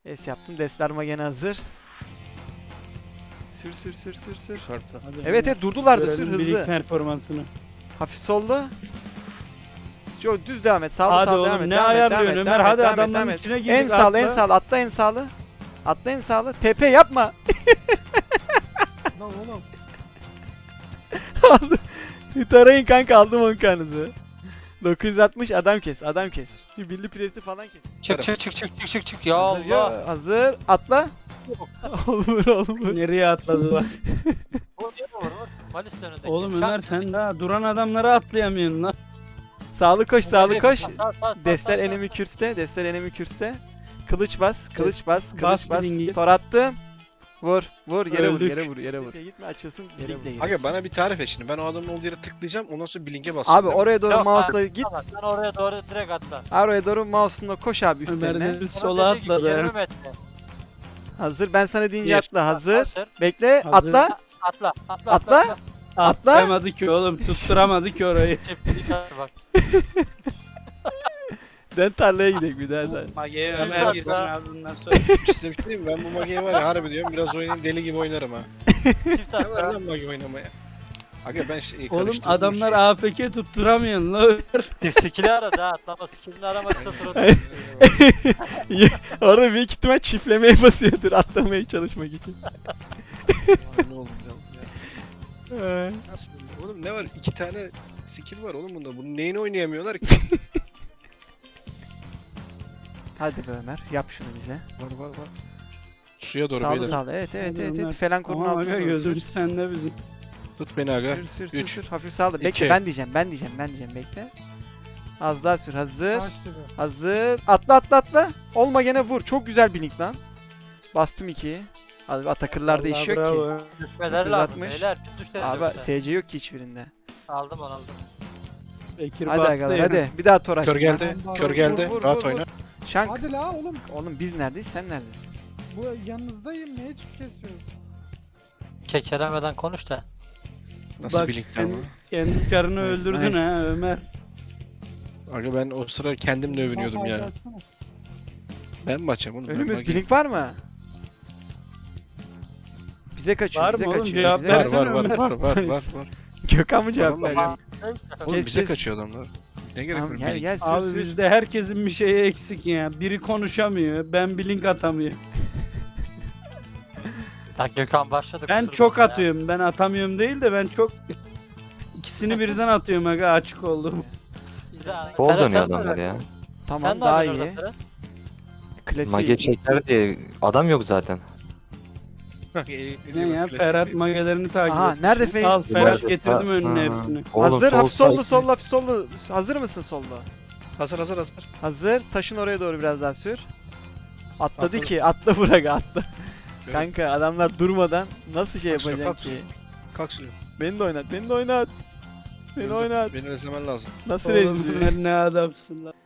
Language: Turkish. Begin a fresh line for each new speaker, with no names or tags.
Es yaptım. Destarma gene hazır. Sür sür sür sür sür.
Hadi
Evet evet durdular da sür
görelim Blink
hızlı.
performansını.
Hafif sollu. Yo düz devam et. Sağlı
Hadi
sağlı
oğlum,
devam et.
ne
devam et,
ayarlıyorsun
devam et,
Ömer?
devam et,
Hadi
devam et,
adamların
devam et.
içine girdik,
En sağlı en
atla.
sağlı. Atla en sağlı. Atla en sağlı. TP yapma.
Lan oğlum.
Tarayın kanka aldım 10 kanınızı. 960 adam kes adam kes. Bir bildi presi falan kes.
Çık çık çık çık çık çık çık ya
Hazır, yo,
Allah.
hazır atla. olur olur.
Nereye atladı bak.
Vur vur vur. Malis önündeki.
Oğlum
Şak.
Ömer sen daha duran adamlara atlayamıyorsun lan.
Sağlı koş sağlı koş.
Sağ,
Destel
sağ.
enemi kürste. Destel enemi kürste. Kılıç bas. Kılıç bas.
Bas
Kılıç bas.
bilingi.
Tor attım. Vur. Vur yere vur
Öldük.
yere vur yere vur. Gitme açılsın. Blinkle gir.
Aga bana bir tarif et şimdi. Ben o adamın olduğu yere tıklayacağım. Ondan sonra blink'e basacağım.
Abi
değil mi?
oraya doğru
Yok,
mouse'la
abi,
git.
tamam, sen oraya doğru direkt atla.
Oraya doğru mouse'unla koş abi
Ömer
üstlerine.
de sola
Dediği gibi
atladı.
20
ya.
metre.
Hazır. Ben sana deyince
Bir.
atla. Hazır.
Hazır.
Bekle.
Hazır.
Atla.
Atla. Atla.
Atla. Atla.
Atlayamadı ki oğlum, tutturamadı ki orayı.
Çiftlik bak.
Den tarlaya gidelim bir daha sen.
Mage'ye
Ömer
Ömer girsin
atla.
abi bundan sonra.
Size bir şey diyeyim mi? Ben bu Mage'yi var ya harbi diyorum. Biraz oynayayım deli gibi oynarım ha.
Çift
Ne var
atla.
lan Mage oynamaya? Aga ben
Oğlum
karıştırdım
adamlar
şeyi.
AFK tutturamıyorsun lan Ömer.
Skill'i aradı ha. Atlama skill'ini aramadıysa suratı.
Orada büyük ihtimal çiftlemeye basıyordur atlamaya çalışmak için.
Ne oldu ya?
Ee,
Nasıl? Oğlum ne var? 2 tane skill var oğlum bunda. Bunun neyini oynayamıyorlar ki?
Hadi be Ömer yap şunu bize.
var var var. Suya doğru
Sağlı
beyler.
sağlı evet evet
Hadi
evet,
Ömer.
evet. Falan korunun
Tamam
altına
aga,
doğru
gözümüz sende bizim.
Tut beni aga.
sür sür sür
Üç,
sür hafif sağlı bekle
iki.
ben diyeceğim bekle. Az daha sür hazır.
Kaçtı be.
Hazır. Atla. Olma gene vur. Çok güzel bir link lan. Bastım 2'yi. Abi atakırlar
Vallahi
değişiyor
bravo.
ki.
Düşmeleri lazım
960.
beyler. Bir düşleri
Abi
yoksa.
SC yok ki hiçbirinde.
Aldım onu aldım.
Bekir
Hadi
bastı
agalar
ya.
hadi. Bir daha tor
Kör
aç.
geldi.
Vur,
Kör
vur,
geldi.
vur,
Rahat
vur,
oyna.
Şank.
Hadi la oğlum.
Oğlum biz neredeyiz sen neredesin?
Bu yanınızdayım. Neye çık kesiyorsun?
Kekelemeden konuş da.
Nasıl
Bak,
blinkten
kendi-
bu?
Kendi karını
Nice,
öldürdün
nice.
ha Ömer.
Aga ben o sıra kendimle övünüyordum
Kafayı
ya.
açsana.
Ben mi açacağım oğlum? Ben
Önümüz
Mage'yi-
blink var mı? Bize kaçıyor,
Var
bize
mı oğlum?
kaçıyor.
Cevap
bize
Var
versene
kaçıyor.
var
Ömer.
var.
Gökhan mı cevap
Tamam,
veriyor?
Oğlum
Kes,
bize
kes.
kaçıyor adamlar. Ne gerek
Tamam
var?
gel
Blink.
gel sür
Abi
sür.
bizde herkesin bir şeyi eksik ya. Biri konuşamıyor, ben blink atamıyor.
Bak Gökhan başladı.
Ben
kusura
çok
bakma ya.
atıyorum. Ben atamıyorum değil de ben çok ikisini birden atıyorum aga, açık oldum.
Bir daha-
Bol
Ferhat,
dönüyor
sen de
adamlar
öyle.
ya.
Tamam
Sen ne
daha
yapıyorsun
iyi.
orada Ferhat?
Klasik.
Mage çeker diye adam yok zaten.
Bak,
Ne ya,
klasik
Ferhat
değil.
magelerini takip
Aha
et.
nerede Feyz?
Al Ferhat
Var.
getirdim önüne
Ha.
hepsini.
Oğlum,
Hazır
sol
hafif sollu
side-
sollu hafif sollu. Hazır mısın sollu?
Hazır.
Hazır. Taşın oraya doğru biraz daha sür. Atladı
Atladım.
ki atla bırak atla.
Evet.
Kanka adamlar durmadan nasıl şey
Kalk şuraya,
yapacaksın
kalk
ki?
Kalk suya.
Beni de oynat. Beni
Gördüm.
oynat.
Beni özlemen lazım.
Nasıl
Oğlum
rezil?
Ömer ne adamsın lan.